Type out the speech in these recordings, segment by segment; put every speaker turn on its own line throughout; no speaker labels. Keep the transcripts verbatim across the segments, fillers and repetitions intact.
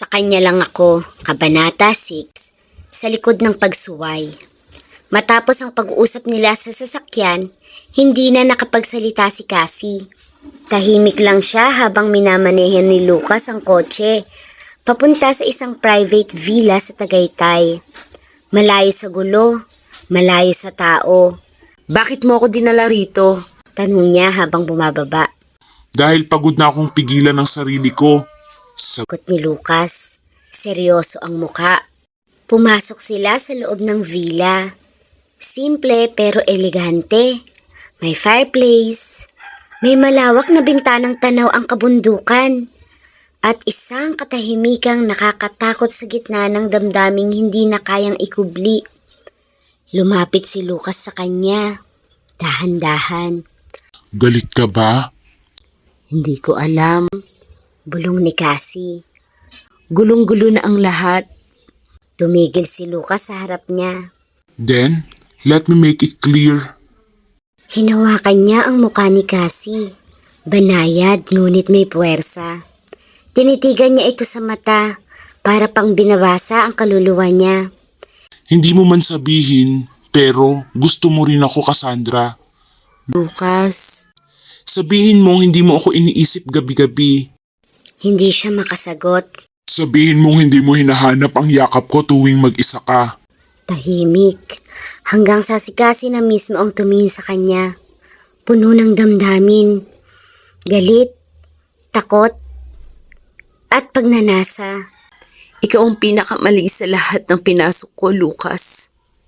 Sa kanya lang ako, Kabanata six, sa likod ng pagsuway. Matapos ang pag-uusap nila sa sasakyan, hindi na nakapagsalita si Cassie. Tahimik lang siya habang minamanehan ni Lucas ang kotse, papunta sa isang private villa sa Tagaytay. Malayo sa gulo, malayo sa tao.
Bakit mo ako dinala rito?
Tanong niya habang bumababa.
Dahil pagod na akong pigilan ng sarili ko. Sa
Sagot ni Lucas, seryoso ang muka. Pumasok sila sa loob ng villa. Simple pero elegante. May fireplace. May malawak na bintanang tanaw ang kabundukan. At isang katahimikang nakakatakot sa gitna ng damdaming hindi na kayang ikubli. Lumapit si Lucas sa kanya. Dahan-dahan.
galit ka ba?
Hindi ko alam.
Bulong ni Cassie.
Gulong-gulo na ang lahat.
Tumigil si Lucas sa harap niya.
Then, let me make it clear.
Hinawakan niya ang mukha ni Cassie. Banayad ngunit may puwersa. Tinitigan niya ito sa mata para pang binabasa ang kaluluwa niya.
Hindi mo man sabihin, pero gusto mo rin ako, Cassandra.
Lucas,
Sabihin mong hindi mo ako iniisip gabi-gabi.
Hindi siya makasagot.
Sabihin mong hindi mo hinahanap ang yakap ko tuwing mag-isa ka.
Tahimik. Hanggang sa si Cassie na mismo ang tumingin sa kanya. Puno ng damdamin. Galit, takot, at pagnanasa.
ikaw ang pinakamali sa lahat ng pinasok ko, Lucas.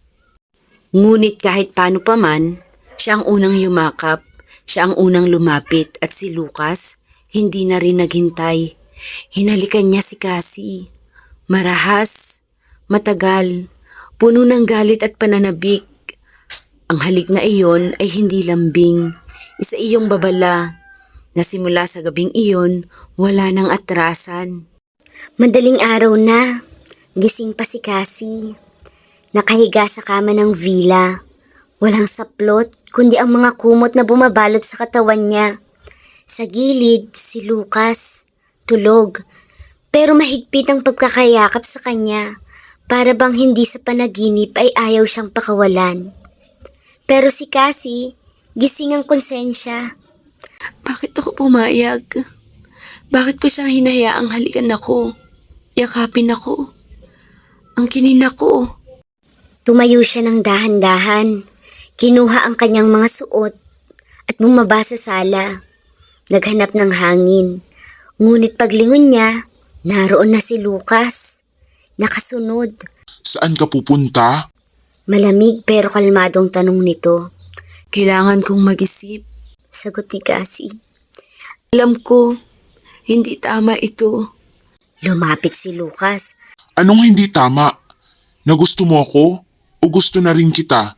Ngunit kahit paano pa man, siya ang unang yumakap, siya ang unang lumapit at si Lucas hindi na rin naghintay. Hinalikan niya si Cassie. Marahas, matagal, puno ng galit at pananabik. Ang halik na iyon ay hindi lambing, isa iyong babala, na simula sa gabing iyon, wala nang atrasan.
Madaling araw na. Gising pa si Cassie. Nakahiga sa kama ng villa. Walang saplot, kundi ang mga kumot na bumabalot sa katawan niya. Sa gilid, si Lucas. Tulog. Pero mahigpit ang pagkakayakap sa kanya. Para bang hindi sa panaginip ay ayaw siyang pakawalan. Pero si Cassie, gising ang konsensya.
Bakit ako pumayag? Bakit ko siyang hinayaang halikan ako? Yakapin ako? Ang kinin ako?
Tumayo siya ng dahan-dahan. Kinuha ang kanyang mga suot at bumaba sa sala. Naghanap ng hangin. Ngunit paglingon niya, naroon na si Lucas. Nakasunod.
Saan ka pupunta?
Malamig pero kalmadong tanong nito.
Kailangan kong mag-isip.
Sagot ni Cassie.
Alam ko, hindi tama ito.
Lumapit si Lucas.
Anong hindi tama? Na gusto mo ako o gusto na rin kita?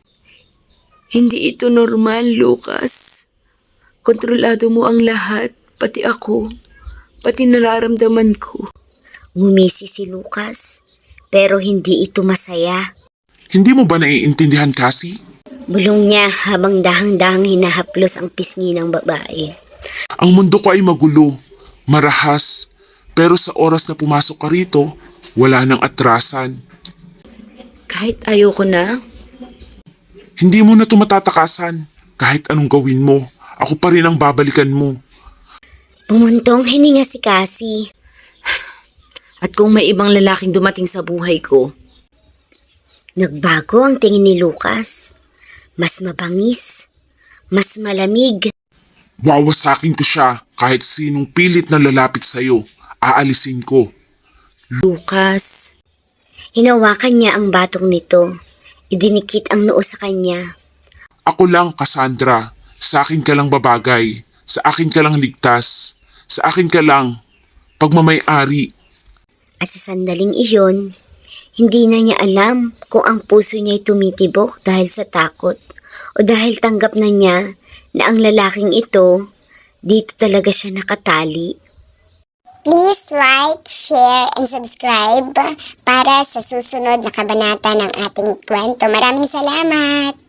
Hindi ito normal, Lucas. Kontrolado mo ang lahat, pati ako, pati nararamdaman ko.
Ngumisi si Lucas, pero hindi ito masaya.
Hindi mo ba naiintindihan, Cassie?
Bulong niya habang dahang-dahang hinahaplos ang pisngi ng babae.
Ang mundo ko ay magulo, marahas, pero sa oras na pumasok ka rito, wala nang atrasan.
Kahit ayoko na,
Hindi mo na ito matatakasan. Kahit anong gawin mo, ako pa rin ang babalikan mo.
Bumuntong hininga si Cassie.
at kung may ibang lalaking dumating sa buhay ko,
Nagbago ang tingin ni Lucas. Mas mabangis, mas malamig.
Wawasakin ko siya kahit sinong pilit na lalapit sa'yo. Aalisin ko.
Lucas,
Hinawakan niya ang batong nito. Idinikit ang noo sa kanya.
Ako lang, Cassandra. Sa akin ka lang babagay. Sa akin ka lang ligtas. Sa akin ka lang pagmamay-ari.
At sa sandaling iyon, hindi na niya alam kung ang puso niya'y tumitibok dahil sa takot o dahil tanggap na niya na ang lalaking ito, dito talaga siya nakatali.
Please like, share, and subscribe para sa susunod na kabanata ng ating kwento. Maraming salamat!